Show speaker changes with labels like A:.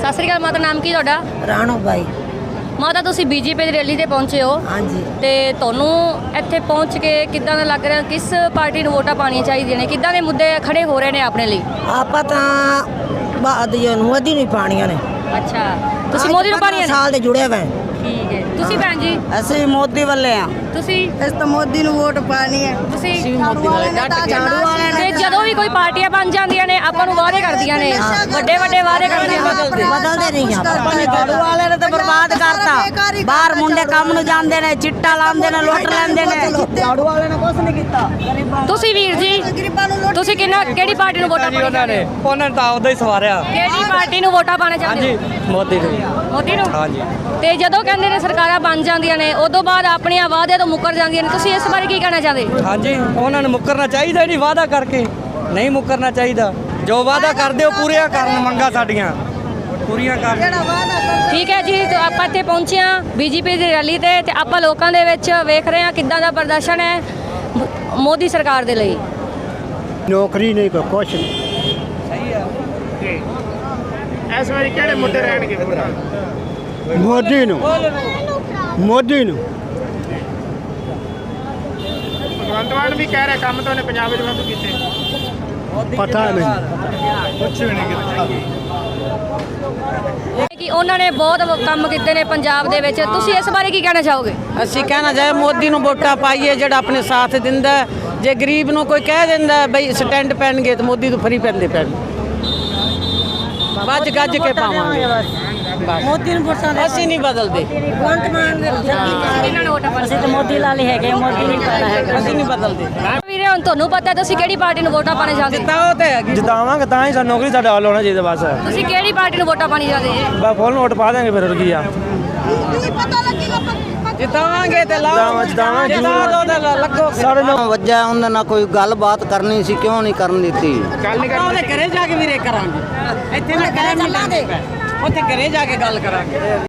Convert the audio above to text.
A: ਸਤਿ ਸ੍ਰੀ ਅਕਾਲ ਮਾਤਾ, ਨਾਮ ਕੀ ਤੁਹਾਡਾ?
B: ਰਾਣੋ ਬਾਈ।
A: ਮਾਤਾ ਤੁਸੀਂ ਬੀਜੇਪੀ ਦੀ ਰੈਲੀ ਤੇ ਪਹੁੰਚੇ ਹੋ
B: ਹਾਂਜੀ।
A: ਤੇ ਤੁਹਾਨੂੰ ਇੱਥੇ ਪਹੁੰਚ ਕੇ ਕਿੱਦਾਂ ਦਾ ਲੱਗ ਰਿਹਾ? ਕਿਸ ਪਾਰਟੀ ਨੂੰ ਵੋਟਾਂ ਪਾਣੀਆਂ ਚਾਹੀਦੀਆਂ ਨੇ? ਕਿੱਦਾਂ ਦੇ ਮੁੱਦੇ ਖੜੇ ਹੋ ਰਹੇ ਨੇ ਆਪਣੇ ਲਈ?
B: ਆਪਾਂ ਤਾਂ ਬਾਦੀ ਨੂੰ ਮੋਦੀ ਨੂੰ ਪਾਣੀਆਂ ਨੇ।
A: ਅੱਛਾ, ਤੁਸੀਂ ਮੋਦੀ ਨੂੰ ਪਾਣੀਆਂ ਨੇ?
B: ਸਾਲ ਦੇ ਜੁੜੇ ਹੋਏ।
A: ਠੀਕ ਹੈ। ਤੁਸੀਂ ਭੈਣ ਜੀ?
B: ਅਸੀਂ ਮੋਦੀ ਵੱਲੇ ਆ।
A: ਤੁਸੀਂ?
B: ਇਸ ਤਾਂ ਮੋਦੀ ਨੂੰ ਵੋਟ ਪਾਣੀ ਹੈ।
A: ਤੁਸੀਂ?
B: ਮੋਦੀ ਵਾਲੇ
A: ਤੇ ਜਦੋਂ ਵੀ ਕੋਈ ਪਾਰਟੀਆਂ ਬਣ ਜਾਂਦੀਆਂ ਨੇ ਆਪਾਂ ਨੂੰ ਵਾਅਦੇ ਕਰਦੀਆਂ ਨੇ, ਵੱਡੇ ਵੱਡੇ ਵਾਅਦੇ ਕਰਦੀਆਂ ਨੇ,
B: ਬਦਲਦੇ ਨਹੀਂ ਆਪਾਂ ਨੇ।
C: ਝਾੜੂ ਵਾਲੇ ਨੇ ਤਾਂ ਬਰਬਾਦ ਕਰਤਾ। ਬਾਹਰ ਮੁੰਡੇ ਕੰਮ ਨੂੰ ਜਾਂਦੇ ਨੇ, ਚਿੱਟਾ ਲਾਉਂਦੇ ਨੇ, ਲੁੱਟ ਲੈਂਦੇ ਨੇ। ਝਾੜੂ ਵਾਲੇ ਨੇ ਕੁਝ ਨਹੀਂ ਕੀਤਾ।
A: ਤੁਸੀਂ ਵੀਰ ਜੀ ਤੁਸੀਂ ਕਿਹੜੀ ਪਾਰਟੀ ਨੂੰ ਵੋਟਾਂ ਪਾਣੀਆਂ ਨੇ?
D: ਉਹਨਾਂ ਨੇ ਤਾਂ ਉਹਦਾ ਹੀ ਸਵਾਰਿਆ।
A: ਕਿਹੜੀ ਪਾਰਟੀ ਨੂੰ ਵੋਟਾਂ ਪਾਣਾ ਚਾਹੁੰਦੇ ਹੋ?
D: ਮੋਦੀ ਨੂੰ।
A: ਮੋਦੀ ਨੂੰ?
D: ਹਾਂਜੀ।
A: ਤੇ ਜਦੋਂ ਕਹਿੰਦੇ ਨੇ ਸਰਕਾਰਾਂ ਬਣ ਜਾਂਦੀਆਂ ਨੇ ਉਦੋਂ ਬਾਅਦ ਆਪਣੀਆਂ ਵਾਅਦਿਆਂ ਤੋਂ ਮੁੱਕਰ ਜਾਂਦੀਆਂ ਨੇ, ਤੁਸੀਂ ਇਸ ਬਾਰੇ ਕੀ ਕਹਿਣਾ ਚਾਹਦੇ?
D: ਹਾਂਜੀ, ਉਹਨਾਂ ਨੂੰ ਮੁੱਕਰਨਾ ਚਾਹੀਦਾ ਨਹੀਂ, ਵਾਅਦਾ ਕਰਕੇ ਨਹੀਂ ਮੁੱਕਰਨਾ ਚਾਹੀਦਾ। ਜੋ ਵਾਅਦਾ ਕਰਦੇ ਉਹ ਪੂਰੀਆਂ ਕਰਨ, ਮੰਗਾਂ ਸਾਡੀਆਂ ਪੂਰੀਆਂ ਕਰਨ।
A: ਠੀਕ ਹੈ ਜੀ, ਤਾਂ ਆਪਾਂ ਇੱਥੇ ਪਹੁੰਚੇ ਹਾਂ ਬੀਜੇਪੀ ਦੀ ਰੈਲੀ ਤੇ ਆਪਾਂ ਲੋਕਾਂ ਦੇ ਵਿੱਚ ਵੇਖ ਰਹੇ ਹਾਂ ਕਿੱਦਾਂ ਦਾ ਪ੍ਰਦਰਸ਼ਨ ਹੈ ਮੋਦੀ ਸਰਕਾਰ ਦੇ ਲਈ।
E: ਨੌਕਰੀ ਨਹੀਂ ਕੋਈ ਕੁਛ ਨਹੀਂ।
D: ਸਹੀ ਆ।
F: ਇਸ ਵਾਰੀ ਕਿਹੜੇ ਮੁੱਦੇ ਰਹਿਣਗੇ?
E: ਮੋਦੀ ਨੂੰ
F: ਭਗਵੰਤ ਮਾਨ ਵੀ ਕਹਿ ਰਿਹਾ ਕੰਮ ਤਾਂ ਉਹਨੇ ਪੰਜਾਬ ਵਿੱਚ ਵਾਧੂ ਕੀਤੇ।
E: ਪਤਾ ਨਹੀਂ।
F: ਕੁਛ ਵੀ ਨਹੀਂ ਕੀਤਾ।
A: ਕਿ ਉਹਨਾਂ ਨੇ ਬਹੁਤ ਕੰਮ ਕੀਤੇ ਨੇ ਪੰਜਾਬ ਦੇ ਵਿੱਚ, ਤੁਸੀਂ ਇਸ ਬਾਰੇ ਕੀ ਕਹਿਣਾ ਚਾਹੋਗੇ?
C: ਅਸੀਂ ਕਹਿਣਾ ਚਾਹੇ ਮੋਦੀ ਨੂੰ ਵੋਟਾਂ ਪਾਈਏ ਜਿਹੜਾ ਆਪਣੇ ਸਾਥ ਦਿੰਦਾ। ਜੇ ਗਰੀਬ ਨੂੰ ਕੋਈ ਕਹਿ ਦਿੰਦਾ ਬਈ ਸਟੈਂਡ ਪੈਣਗੇ ਤਾਂ ਮੋਦੀ ਤੋਂ ਫਰੀ ਪੈਂਦੇ ਪੈਣ। ਵੱਜ ਗੱਜ ਕੇ ਪਾਵਾਂਗੇ।
B: ਮੋਦੀ ਨੂੰ ਵੋਟਾਂ ਦੇ।
C: ਅਸੀਂ ਨਹੀਂ ਬਦਲਦੇ।
B: ਭਗਵੰਤ ਮਾਨ ਦੇ
A: ਇਹਨਾਂ ਨੂੰ ਵੋਟਾਂ
B: ਅਸੀਂ ਤਾਂ ਮੋਦੀ ਲਾਲੇ ਹੈਗੇ, ਮੋਦੀ ਨਹੀਂ ਪਾਣਾ ਹੈਗਾ।
C: ਅਸੀਂ ਨਹੀਂ ਬਦਲਦੇ।
A: ਵੀਰੇ ਹੁਣ ਤੁਹਾਨੂੰ ਪਤਾ ਤੁਸੀਂ ਕਿਹੜੀ ਪਾਰਟੀ ਨੂੰ ਵੋਟਾਂ ਪਾਣਾ ਚਾਹੁੰਦੇ?
C: ਤਾਂ ਉਹ ਤੇ ਹੈਗੀ।
D: ਜਿਤਾਵਾਂਗੇ ਤਾਂ ਹੀ ਸਾਨੂੰ ਨੌਕਰੀ ਸਾਡਾ ਹੱਲ ਹੋਣਾ ਚਾਹੀਦਾ। ਬਸ
A: ਤੁਸੀਂ ਕਿਹੜੀ ਪਾਰਟੀ ਨੂੰ ਵੋਟਾਂ ਪਾਣੀ ਚਾਹਦੇ ਜੀ?
D: ਬਸ ਫੁੱਲ ਨੋਟ ਪਾ ਦਾਂਗੇ ਫਿਰ ਕੀ ਆ।
C: ਜਿਤਾਵਾਂਗੇ ਤੇ ਲਾਓ।
D: ਜਿਤਾਵਾਂਗੇ
C: ਜਿਤਾ ਦੋ ਤੇ ਲੱਗੋ।
D: ਸਾਡੇ ਨਾਲ
G: ਵੱਜਾ ਉਹਨਾਂ ਨਾਲ ਕੋਈ ਗੱਲਬਾਤ ਕਰਨੀ ਸੀ, ਕਿਉਂ ਨਹੀਂ ਕਰਨ ਦਿੱਤੀ?
F: ਗੱਲ ਨਹੀਂ
C: ਉਹਦੇ ਘਰੇ ਜਾ ਕੇ ਵੀਰੇ ਕਰਾਂਗੇ। ਇੱਥੇ ਨਾ ਕਰੇ ਮਿਲਾਂਗੇ। ਉੱਥੇ ਘਰੇ ਜਾ ਕੇ ਗੱਲ ਕਰਾਂਗੇ।